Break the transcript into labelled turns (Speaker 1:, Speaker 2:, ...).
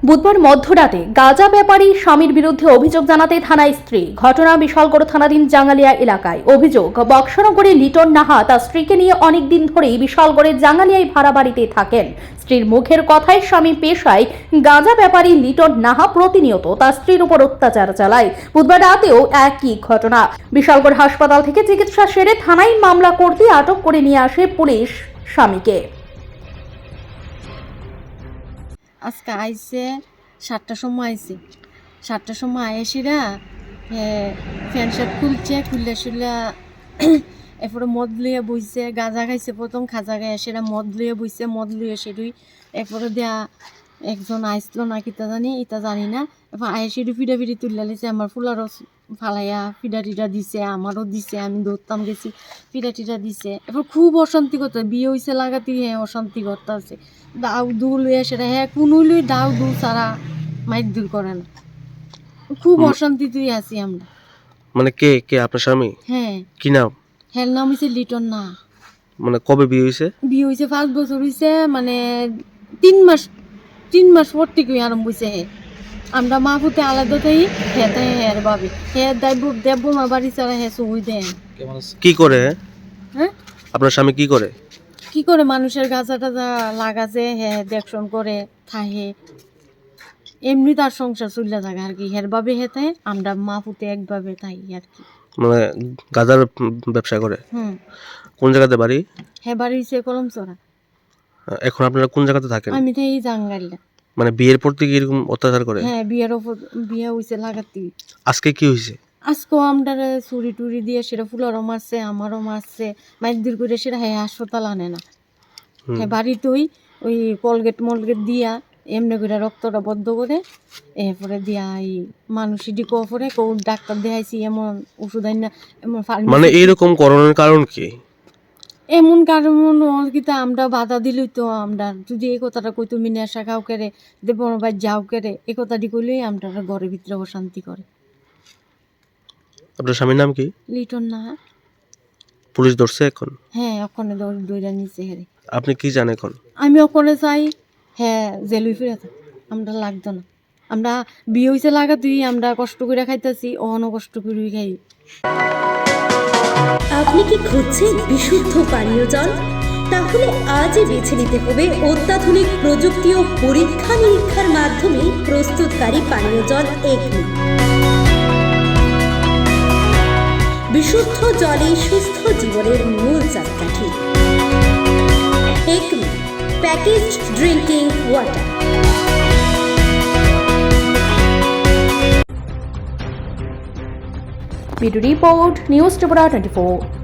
Speaker 1: বুধবার মধ্যরাতে গাঁজা ব্যাপারী স্বামীর বিরুদ্ধে অভিযোগ জানাতে থানায় স্ত্রী। ঘটনা বিশালগড় থানাধীন জাঙ্গালিয়া এলাকায়। অভিযোগ, বক্সনগরে লিটন নাহা তার স্ত্রীকে নিয়ে অনেকদিন ধরেই বিশালগড়ের জাঙ্গালিয়ায় ভাড়া বাড়িতে থাকেন। স্ত্রীর মুখের কথায় স্বামী পেশায় গাঁজা ব্যাপারী লিটন নাহা প্রতিনিয়ত তার স্ত্রীর উপর অত্যাচার চালায়। বুধবার রাতেও একই ঘটনা। বিশালগড় হাসপাতাল থেকে চিকিৎসা সেরে থানায় মামলা করতে আটক করে নিয়ে আসে পুলিশ স্বামীকে।
Speaker 2: আজকে আইসে 7টার সময় আইসে 7টার সময় আইসিরা ফ্যান শার্ট খুললে শুলে এরপরে মদ লইয়া বইছে, গাঁজা খাইছে, প্রথম খাজা গায়ে সেরা মদ লইয়া বইছে, মদ লইয়া সেরুই এরপরে দেয়া একজন আইসলো না কিতা জানি ইতা জানি না। এরপর আইসিডি ফিডাফিডি তুললে লিছে, আমার ফুলারও ফালাইয়া ফিডাটিটা দিছে, আমারও দিছে, আমি দৌড়তাম গেছি, ফিডাটিটা দিছে। এরপর খুব অশান্তি করতে, বিয়ে হয়েছে লাগাতে অশান্তি করতে আছে। দাউ দু লইয়া সেটা কোনো লই দাউ দু ছাড়া মাইর দূর করে না। খুব অশান্তিতেই আছি আমরা।
Speaker 3: মানে কে কে আপনার স্বামী?
Speaker 2: হ্যাঁ।
Speaker 3: কি নাম?
Speaker 2: হের নাম হয়েছে লিটন না।
Speaker 3: মানে কবে বিয়ে হয়েছে?
Speaker 2: বিয়ে হয়েছে 5 বছর হয়েছে, মানে 3 মাস পর থেকে আরম্ভ হয়েছে। আমরা মা ফুতে আলাদা তাই হেতে হের ভাবি হে দেব মা বাড়ি ছাড়া হে সই দেন।
Speaker 3: কি করে?
Speaker 2: হ্যাঁ,
Speaker 3: আপনার স্বামী কি করে?
Speaker 2: কি করে মানুষের গাছা টাজা লাগাছে, হে দেখশন করে থাহে, এমনি তার সংসার চলে থাকে আর কি। হের ভাবে হেতে আমরা মা ফুতে একভাবে তাই আর কি।
Speaker 3: মানে গাঁজার ব্যবসা করে? কোন জায়গাতে বাড়ি?
Speaker 2: হে বাড়ি হচ্ছে কলমচড়া।
Speaker 3: এখন আপনারা কোন জায়গাতে থাকেন?
Speaker 2: আমি তো এই জাঙ্গালিয়া।
Speaker 3: মানে বিয়ের পর থেকে এরকম অত্যাচার করে?
Speaker 2: হ্যাঁ, বিয়ের ওপর বিয়ে হয়েছে লাগাতি।
Speaker 3: আজকে কি হয়েছে?
Speaker 2: আজকেও আমরা চুরি টুরি দিয়ে সেটা ফুলারও মারছে, আমারও মারছে, মাইর দূর করে সেটা হ্যাঁ হাসপাতাল আনে না। হ্যাঁ, বাড়িতেই ওই কলগেট মলগেট দিয়া এমনি করে রক্তটা বদ্ধ করে এরপরে দিয়া এই মানুষ ডিকো পরে কেউ ডাক্তার দেখাইছি, এমন ওষুধ আইন না, এমন
Speaker 3: মানে এইরকম করণের কারণ কি?
Speaker 2: এমন কারণ কিন্তু আমরা বাধা দিলই তো। আমরা যদি এই কথাটা কই তুমি নেশা খাও কেড়ে দেব ভাই যাও কেড়ে, এই কথাটি কইলেই আমরা ঘরের ভিতরে অশান্তি করে।
Speaker 3: আপনার স্বামীর নাম কি?
Speaker 2: লিটন না।
Speaker 3: পুলিশ ধরছে এখন?
Speaker 2: হ্যাঁ, ওখানে দৌড়া নিচে হেরে।
Speaker 3: আপনি কি জানেন এখন?
Speaker 2: আমি ওখানে চাই হ্যাঁ জেলুই ফিরে থাক, আমরা লাগতো না। আমরা বিয়ে হয়েছে লাগা তুই আমরা কষ্ট করে খাইতেছি, অহনও কষ্ট করে খাই।
Speaker 4: আপনি কি খুঁজছেন বিশুদ্ধ পানীয় জল? তাহলে আজই বেছে নিতে হবে অত্যাধুনিক প্রযুক্তি ও পরীক্ষা নিরীক্ষার মাধ্যমে প্রস্তুতকারী পানীয় জল একমি। বিশুদ্ধ জলে সুস্থ জীবনের মূল চাকাঠি। Acme packaged drinking water.
Speaker 1: Video report, news Tripura 24।